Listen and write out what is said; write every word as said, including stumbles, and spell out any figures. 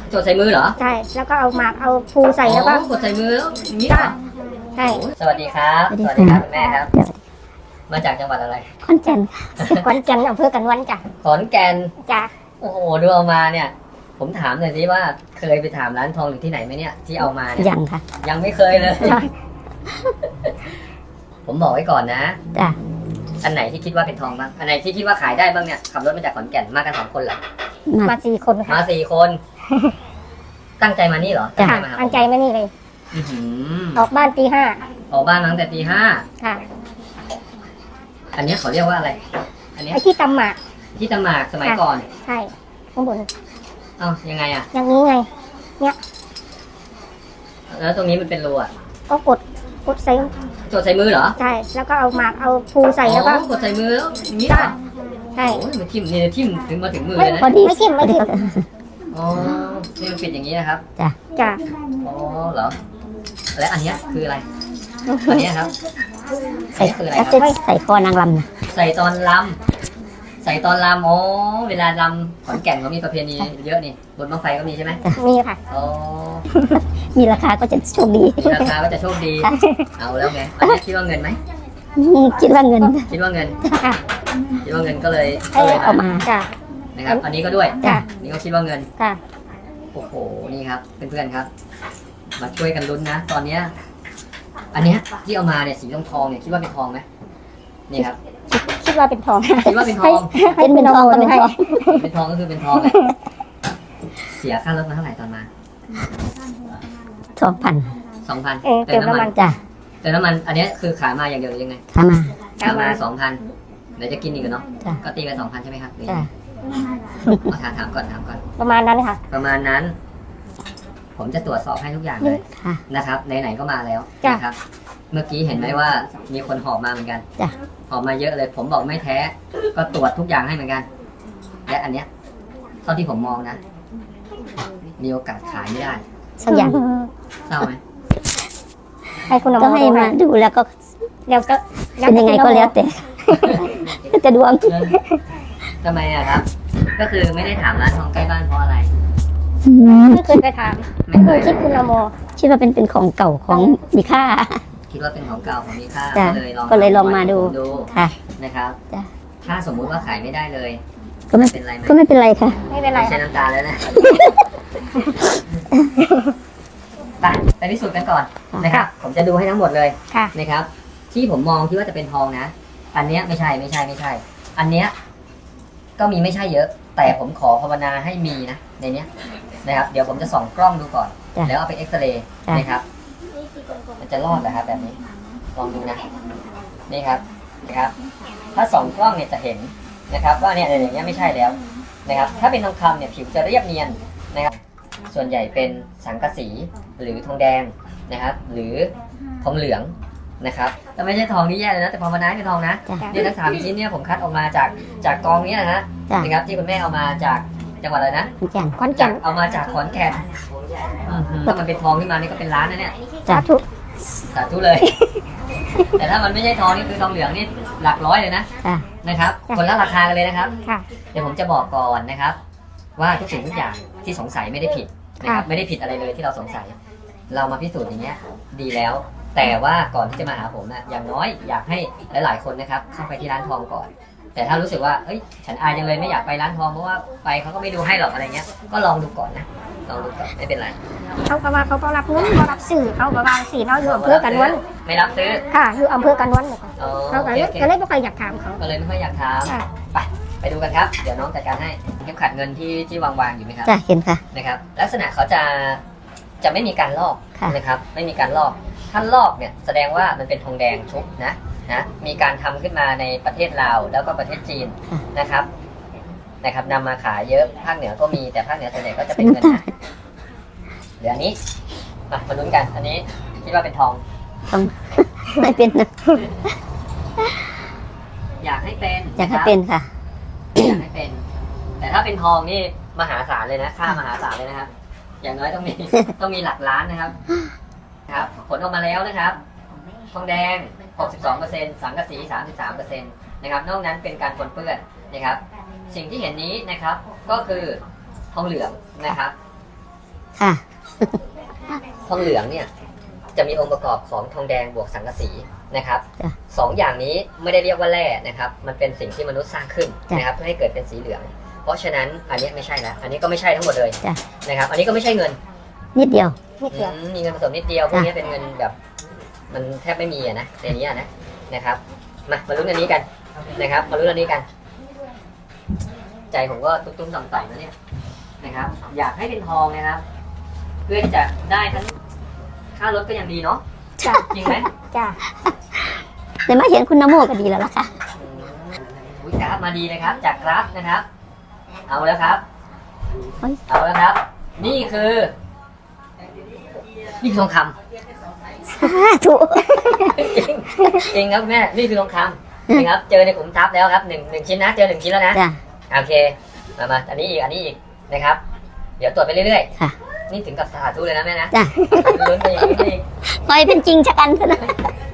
จดใส่มือเหรอใช่แล้วก็เอาหมากเอาภูใส่แล้วก็กดใส่มือแล้วอย่างนี้เหรอใช่สวัสดีครับสวัสดีครับคุณแม่ครับมาจากจังหวัดอะไรขอนแก่นขอนแก่นอำเภอกันวันจ้ะขอนแก่นจ้ะโอ้โหดูเอามาเนี่ยผมถามหน่อยสิว่าเคยไปถามร้านทองหรือที่ไหนไหมเนี่ยที่เอามาเนี่ยยังค่ะยังไม่เคยเลยผมบอกไว้ก่อนนะจ้ะอันไหนที่คิดว่าเป็นทองบ้างอันไหนที่คิดว่าขายได้บ้างเนี่ยขับรถมาจากขอนแก่นมากันสองคนเหรอมาสี่คนค่ะมาสี่คนตั้งใจมานี่เหรอจ้ะตั้งใจมานี่เลยออกบ้านตีห้าออกบ้านตั้งแต่ตีห้าค่ะอันนี้เขาเรียกว่าอะไรอันนี้ที่ตำหมากที่ตำหมากสมัยก่อนใช่ข้างบนเอ้ายังไงอ่ะอย่างนี้ไงเนี่ยแล้วตรงนี้มันเป็นรูอ่ะก็กดกดใส่กดใส่มือเหรอใช่แล้วก็เอาหมากเอาภูใส่แล้วก็กดใส่มือแล้วอย่างนี้เหรอใช่โอ้ยมันทิ่มเนี่ยทิ่มถึงมาถึงมือเลยนะไม่ทิ่มไม่ทิ่มอ๋อนี่มันปิดอย่างนี้นะครับจ้ะจ้ะอ๋อเหรอและอันนี้คืออะไรอันนี้ครับใส่คืออะไรครับใส่คอนางลำนะใส่ตอนลำใส่ตอนลำอ๋อเวลาลำขอนแก่นเขามีประเพณีเยอะนี่บนบั้งไฟก็มีใช่ไหมมีค่ะอ๋อมีราคาก็จะโชคดีราคาก็จะโชคดีเอาแล้วไงอันนี้คิดว่าเงินไหมคิดว่าเงินคิดว่าเงินคิดว่าเงินก็เลยเอามาจ้ะนะครับอันนี้ก็ด้วยจ้ะนี่ก็คิดว่าเงินจ้ะโอ้โหนี่ครับเพื่อนๆครับมาช่วยกันลุ้นนะตอนเนี้ยอันเนี้ยที่เอามาเนี่ยสีทองทองเนี่ยคิดว่าเป็นทองไหมนี่ครับคิดว่าเป็นทองคิดว่าเป็นทองเป็นเป็นทองก็เป็นทองเป็นทองก็คือเป็นทองเลยเสียค่ารถมาเท่าไหร่ตอนมาสองพันสองพันเติมน้ำมันจ้ะเติมน้ำมันอันนี้คือขายมาอย่างเดียวหรือยังไงขายมาขายมาสองพันเดี๋ยวจะกินอีกเนาะก็ตีไปสองพันใช่ไหมครับจ้ะถามถามก่อนถามก่อนประมาณนั้นค่ะประมาณนั้นผมจะตรวจสอบให้ทุกอย่างเลยนะครับไหนๆก็มาแล้วนะครับเมื่อกี้เห็นไหมว่ามีคนหอบมาเหมือนกันหอบมาเยอะเลยผมบอกไม่แท้ก็ตรวจทุกอย่างให้เหมือนกันและอันเนี้ยเท่าที่ผมมองนะมีโอกาสขายไม่ได้สักอย่างเศร้าไหมให้คุณก็ให้มาดูแล้วก็แล้วก็เป็นยังไงก็แล้วแต่จะดวงทำไมอะครับก็คือไม่ได้ถามร้านทองใกล้บ้านเพราะอะไรไม่เคยไปถามไม่เคยคิดคุณละโมคิดว่าเป็นเป็นของเก่าของมีค่าคิดว่าเป็นของเก่าของมีค่าก็เลยลองก็เลยลองมาดูค่ะนะครับถ้าสมมุติว่าขายไม่ได้เลยก็ไม่เป็นไรก็ไม่เป็นไรค่ะไม่เป็นไรใช้น้ำตาแล้วนะไปไปพิสูจน์กันก่อนนะครับผมจะดูให้ทั้งหมดเลยนะครับที่ผมมองที่ว่าจะเป็นทองนะอันเนี้ยไม่ใช่ไม่ใช่ไม่ใช่อันเนี้ยก็มีไม่ใช่เยอะแต่ผมขอภาวนาให้มีนะในเนี้ยนะครับเดี๋ยวผมจะส่องกล้องดูก่อนแล้วเอาไปเอ็กซเรย์นะครับมันจะรอดเหรอครับแบบนี้ลองดูนะนี่ครับนะครับถ้าส่องกล้องเนี่ยจะเห็นนะครับว่าเนี่ยอย่างเงี้ยไม่ใช่แล้วนะครับถ้าเป็นทองคำเนี่ยผิวจะเรียบเนียนนะครับส่วนใหญ่เป็นสังกะสีหรือทองแดงนะครับหรือทองเหลืองนะครับแต่ไม่ใช่ทองที่แย่เลยนะแต่พอมาน้าเป็นทองนะเนี่ยทั้งสามชิ้นเนี่ยผมคัดออกมาจากจากกองนี้นะฮะนะครับที่คุณแม่เอามาจากจังหวัดอะไรนะขอนแก่นขอนแก่นเอามาจากขอนแก่นถ้ามันเป็นทองขึ้นมานี่ก็เป็นล้านนะเนี่ยสาธุสาธุเลยแต่ถ้ามันไม่ใช่ทองนี่คือทองเหลืองนี่หลักร้อยเลยนะนะครับคนละราคากันเลยนะครับเดี๋ยวผมจะบอกก่อนนะครับว่าทุกสิ่งทุกอย่างที่สงสัยไม่ได้ผิดนะครับไม่ได้ผิดอะไรเลยที่เราสงสัยเรามาพิสูจน์อย่างเงี้ยดีแล้วแต่ว่าก่อนที่จะมาหาผมนะอย่างน้อยอยากให้หลายๆคนนะครับเข้าไปที่ร้านทองก่อนแต่ถ้ารู้สึกว่าเอ้ยฉันอายจังเลยไม่อยากไปร้านทองเพราะว่าไปเขาก็ไม่ดูให้หรอกอะไรเงี้ยก็ลองดูก่อนนะลองดูก่อนไม่เป็นไรเขาก็ว่าเขาก็รับเงินเขารับซื้อเขาก็ว่าสีเขาอยู่อำเภอกันวันไม่รับซื้อค่ะอยู่อำเภอกันวันเขาก็เลยก็เลยไม่ค่อยอยากถามเขาก็เลยไม่ค่อยอยากถามไปไปดูกันครับเดี๋ยวน้องจัดการให้เข็มขัดเงินที่ที่วางวางอยู่ไหมครับจ้ะเห็นค่ะนะครับลักษณะเขาจะจะไม่มีการลอกนะครับไม่มีการลอกถ้าลอกเนี่ยแสดงว่ามันเป็นทองแดงชุบนะนะมีการทำขึ้นมาในประเทศลาวแล้วก็ประเทศจีนนะครับนะครับนำมาขายเยอะภาคเหนือก็มีแต่ภาคเหนือส่วนใหญ่ก็จะเป็นเงินนะเดี๋ยวอันนี้มามาลุ้นกันอันนี้คิดว่าเป็นทองทองไม่เป็นนะอยากให้เป็นอยากให้เป็นค่ะอยากให้เป็นแต่ถ้าเป็นทองนี่มหาศาลเลยนะค่ามหาศาลเลยนะครับอย่างน้อยต้องมีต้องมีหลักล้านนะครับครับผลออกมาแล้วนะครับทองแดง หกสิบสองเปอร์เซ็นต์ สังกะสี สามสิบสามเปอร์เซ็นต์ นะครับนอกนั้นเป็นการปนเปื้อนนะครับสิ่งที่เห็นนี้นะครับก็คือทองเหลืองนะครับค่ะทองเหลืองเนี่ยจะมีองค์ประกอบของทองแดงบวกสังกะสีนะครับจ้ะสองอย่างนี้ไม่ได้เรียกว่าแร่นะครับ มันเป็นสิ่งที่มนุษย์สร้างขึ้นจ้ะนะครับเพื่อให้เกิดเป็นสีเหลือง เพราะฉะนั้นอันนี้ไม่ใช่แล้วอันนี้ก็ไม่ใช่ทั้งหมดเลยจ้ะนะครับ อันนี้ก็ไม่ใช่เงินนิดเดียวอืมมีเงินผสมนิดเดียวพวกนี้เป็นเงินแบบ มันแทบไม่มีอะนะในนี้อะนะนะครับมามาลุ้นอันนี้กันนะครับ มาลุ้นอันนี้กัน ใจผมก็ตุ้มๆต่อมๆนะเนี่ยนะครับ อยากให้เป็นทองนะครับ เพื่อที่จะได้ทั้งค่ารถก็ยังดีเนาะจ้ะจริงไหมจ้ะแต่มาเห็นคุณนโมก็ดีแล้วล่ะค่ะอืมอุ๊ยกราฟมาดีเลยครับ จากกราฟนะครับ เอาแล้วครับเฮ้ยเอาแล้วครับ นี่คือ นี่คือทองคำสาธุจริงจริงครับแม่นี่คือทองคำนะครับ เจอในขุมทรัพย์แล้วครับหนึ่งหนึ่งชิ้นนะ เจอหนึ่งชิ้นแล้วนะจ้ะโอเค มามาอันนี้อีก อันนี้อีกนะครับ เดี๋ยวตรวจไปเรื่อยค่ะๆ นี่ถึงกับสาธุเลยนะแม่นะจ้ะลุ้นไปอีกลุ้นไปอีกคอยเป็นจริงชะกันเถอะนะ